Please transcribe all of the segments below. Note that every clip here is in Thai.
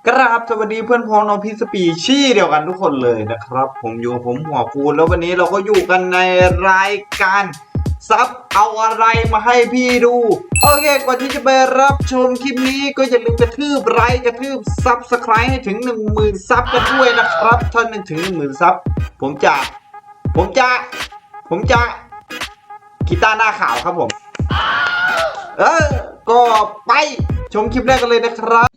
กราบสวัสดีเพื่อนพ้องน้องพี่สปีชี่เดียวกันทุกคนเลยนะครับผมอยู่กับผมหัวฟูนแล้ววันนี้เราก็อยู่กันในรายการซับเอาอะไรมาให้พี่ดูโอเคก่อนที่จะไปรับชมคลิปนี้ก็อย่าลืมกระทืบไลค์กระทืบซับสไครต์ให้ถึง 10,000 ซับกันด้วยนะครับถ้าถึง 10,000 ซับผมจะกีตาร์หน้าขาวครับผมก็ไปชมคลิปแรกกันเลยนะครับ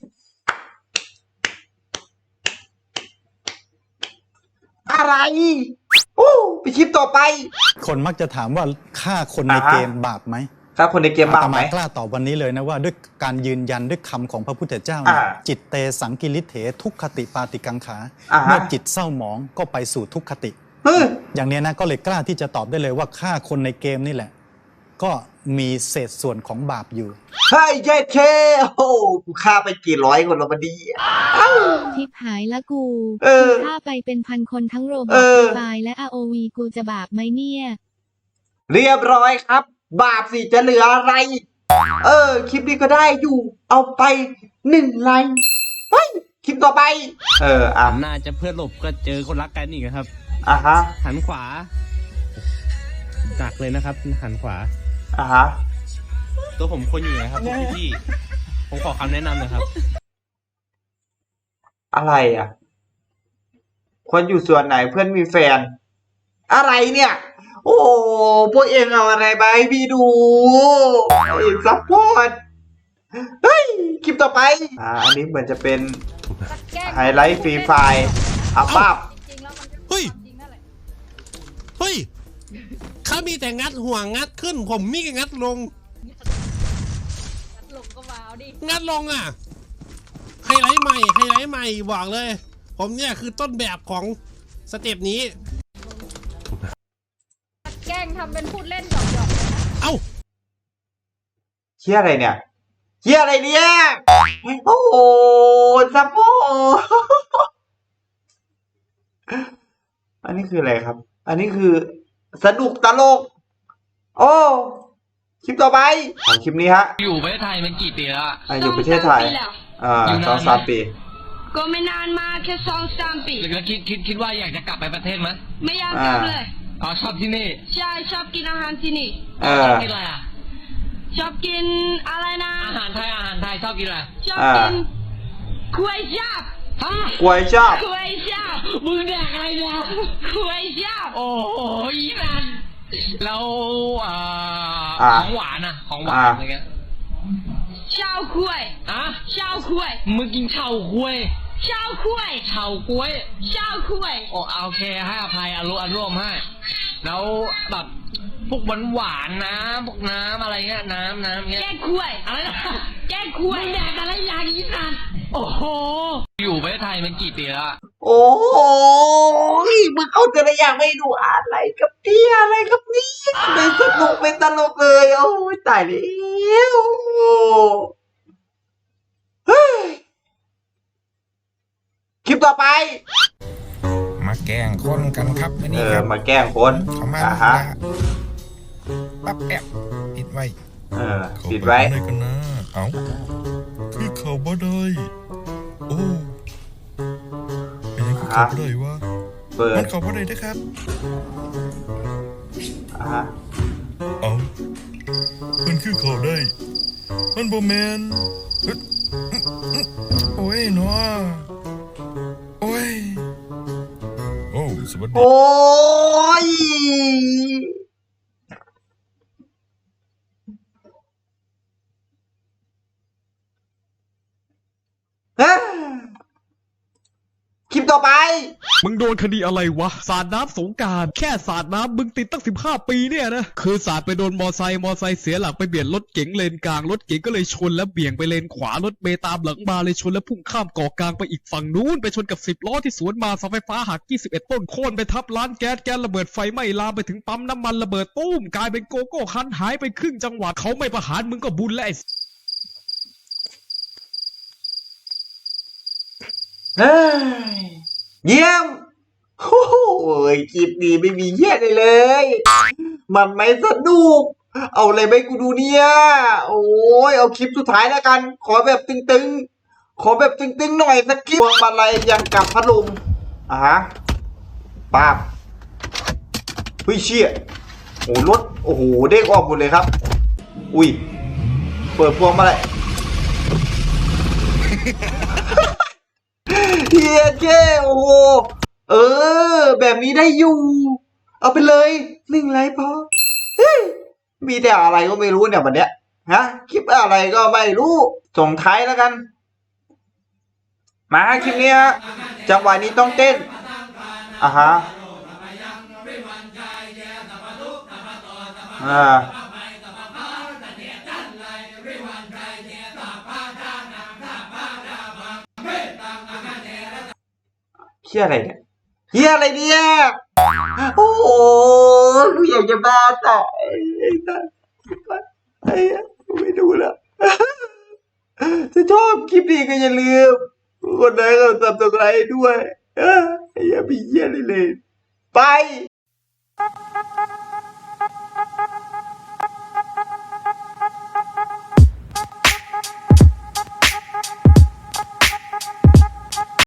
อะไรไปคลิปต่อไปคนมักจะถามว่าฆ่าคนในเกมบาปไหมฆ่าคนในเกมบาปไหมกล้าตอบวันนี้เลยนะว่าด้วยการยืนยันด้วยคำของพระพุทธเจ้าจิตเตสังกิริเถทุกขติปาติกังขาเมื่อจิตเศร้าหมองก็ไปสู่ทุกขติอย่างนี้นะก็เลยกล้าที่จะตอบได้เลยว่าฆ่าคนในเกมนี่แหละก็มีเศษส่วนของบาปอยู่เฮ้ยเจ๊เท่กูฆ่าไปกี่ร้อยคนแล้วมาดีทิพหายละกูฆ่าไปเป็นพันคนทั้งโรบอทตายและ ROV กูจะบาปไหมเนี่ยเรียบร้อยครับบาปสิจะเหลืออะไรคลิปนี้ก็ได้อยู่เอาไป1 ไลค์เฮ้ยคลิปต่อไปน่าจะเพื่อนหลบก็เจอคนรักกันอีกครับหันขวาดักเลยนะครับหันขวาตัวผมควรอยู่ไหนครับพี่ผมขอคำแนะนำหน่อยครับอะไรควรอยู่ส่วนไหนเพื่อนมีแฟนอะไรเนี่ยโอ้พวกเองเอาอะไรไปให้พี่ดูซัพพอร์ตเฮ้ยคลิปต่อไปอันนี้เหมือนจะเป็นไฮไลท์ฟรีไฟล์ป้าบเฮ้ยเขามีแต่งัดหัวงัดขึ้นผมมีแต่งัดลงก็ว้าวดิงัดลงไฮไลท์ใหม่บอกเลยผมเนี่ยคือต้นแบบของสเต็ปนี้แกล้งทำเป็นพูดเล่นหยอกเอ้าเชี่ยอะไรเนี่ยโอ้โหซัพพอร์ตอันนี้คืออะไรครับอันนี้คือสนุกตลกคลิปต่อไปของคลิปนี้ฮะอยู่ประเทศไทยมันกี่ปีแล้วอยู่ประเทศไทย2-3 ปีก็ไม่นานมากแค่2-3 ปีแล้วคิดว่าอยากจะกลับไปประเทศไหมไม่อยากกลับเลยชอบที่นี่ใช่ชอบกินอาหารที่นี่ชอบกินอะไรชอบกินอะไรนะอาหารไทยชอบกินอะไรชอบกินก๋วยจั๊บก๋วยจั๊บมึงแดกอะไรเนี่ยก๋วยจั๊บโอ้โหอีนั่นแล้วของหวานอะไรเงี้ยเฉาก๊วยมึงกินเฉาก๊วยโอเคให้อภัยอารมณ์ให้แล้วแบบพวกหวานนะพวกน้ำอะไรเงี้ยน้ำเงี้ยแก้กล้วยอะไรนะแก้กล้วยมึงแดกอะไรอย่างนี้นั่นโอ้โหอยู่ประเทศไทยมันกี่ปีแล้วโอ้ยมึงเอาแต่ละอย่างไม่ดูอะไรกับนี่เป็นสนุกเป็นตลกเลยโอ้ยตายแล้วคลิปต่อไปมาแกล้งคนกันครับนี่ครับมาแกล้งคนเขามาปั๊บแอบปิดไว้ปิดไว้กันนะคือเขาบ่ได้โอ้เป็นยังเขาบ่ได้วะมันเขาบ่ได้นะครับมันคือเขาได้มันบ่แมนโอ้ยเนาะโอ้ยสวัสดีโอ้ยคลิปต่อไปมึงโดนคดีอะไรวะสาดน้ำสงกรานต์แค่สาดน้ำมึงติดตั้ง15 ปีเนี่ยนะคือสาดไปโดนมอไซค์เสียหลักไปเบียดรถเก๋งเลนกลางรถเก๋งก็เลยชนแล้วเบี่ยงไปเลนขวารถเมล์ตามหลังมาเลยชนแล้วพุ่งข้ามเกาะกลางไปอีกฝั่งนู้นไปชนกับ10 ล้อที่สวนมาเสาไฟฟ้าหัก21 ต้นโค่นไปทับร้านแก๊สระเบิดไฟไหม้ลามไปถึงปั๊มน้ำมันระเบิดตุ้มกลายเป็นโกโก้คันหายไปครึ่งจังหวัดเขาไม่ประหารมึงก็บุญแล้วเยี่ยมโอ้ยคลิปนี้ไม่มีเยี่ยเลยมันไม่สนุกเอาอะไรไปกูดูเนี่ยโอ้ยเอาคลิปสุดท้ายแล้วกันขอแบบตึงขอแบบตึงๆหน่อยสักคลิปพวงมาลัยยังกับพัดลมป้าบเฮ้ยเชี่ยโอ้รถโอ้โหเด้งออกหมดเลยครับอุ้ยเปิดพวงมาลัยเฮียเจ้โอ้โหแบบนี้ได้อยู่เอาไปเลย1 ไลค์พอมีแต่อะไรก็ไม่รู้เนี่ยวันเนี้ยคลิปอะไรก็ไม่รู้ส่งท้ายแล้วกันมาคลิปนี้จังหวะนี้ต้องเต้นเฮียอะไรเนี่ยเฮียอะไรเนี่ยโอ้โหกูอยากจะบ้าตายไม่ดูแล้วถ้าชอบคลิปนี้ก็อย่าลืมกดไลค์กด Subscribe ด้วยอย่าไปเหี้ยเลยไป